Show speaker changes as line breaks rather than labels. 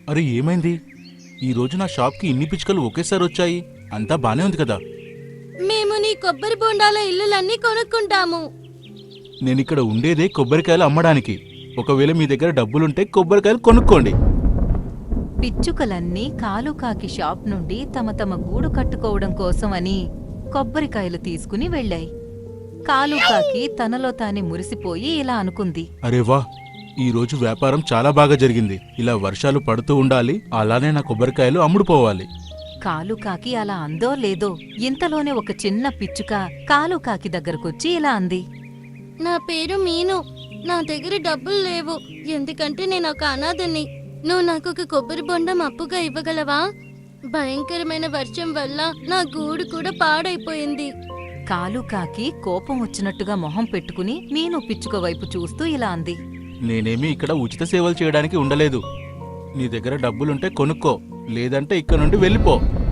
అరే ఏమైంది? ఈరోజు నా షాప్కి ఇన్ని పిచ్చుకలు ఒకేసారి వచ్చాయి. అంతా బానే ఉంది కదా?
మేము నీ కొబ్బరి బొండాల ఇల్లులన్నీ కొనుక్కుంటాము.
నేనిక్కడ ఉండేదే కొబ్బరికాయలు అమ్మడానికి. ఒకవేళ మీ దగ్గర డబ్బులుంటే కొబ్బరికాయలు కొనుక్కోండి.
పిచ్చుకలన్నీ కాలుకాకి షాప్ నుండి తమ తమ గూడు కట్టుకోవడం కోసమని కొబ్బరికాయలు తీసుకుని వెళ్ళాయి. కాలుకాకి తనలో తానే మురిసిపోయి ఇలా అనుకుంది.
అరే వా, ఈరోజు వ్యాపారం చాలా బాగా జరిగింది. ఇలా వర్షాలు పడుతూ ఉండాలి, అలానే నా కొబ్బరికాయలు అమ్ముడుపోవాలి.
కాలుకాకి అలా అందో లేదో ఇంతలోనే ఒక చిన్న పిచ్చుక కాలుకాకి దగ్గరకొచ్చి ఇలా అంది.
నా పేరు మీను. నా దగ్గర డబ్బులు లేవు, ఎందుకంటే నేను ఒక అనాథని. నువ్వు నాకు ఒక కొబ్బరి బొండం అప్పుగా ఇవ్వగలవా? భయంకరమైన వర్షం వల్ల నా గూడు కూడా పాడైపోయింది.
కాలుకాకి కోపం వచ్చినట్టుగా మొహం పెట్టుకుని మీను పిచ్చుక వైపు చూస్తూ ఇలా అంది.
నేనేమీ ఇక్కడ ఉచిత సేవలు చేయడానికి ఉండలేదు. నీ దగ్గర డబ్బులుంటే కొనుక్కో, లేదంటే ఇక్కడ నుండి వెళ్ళిపో.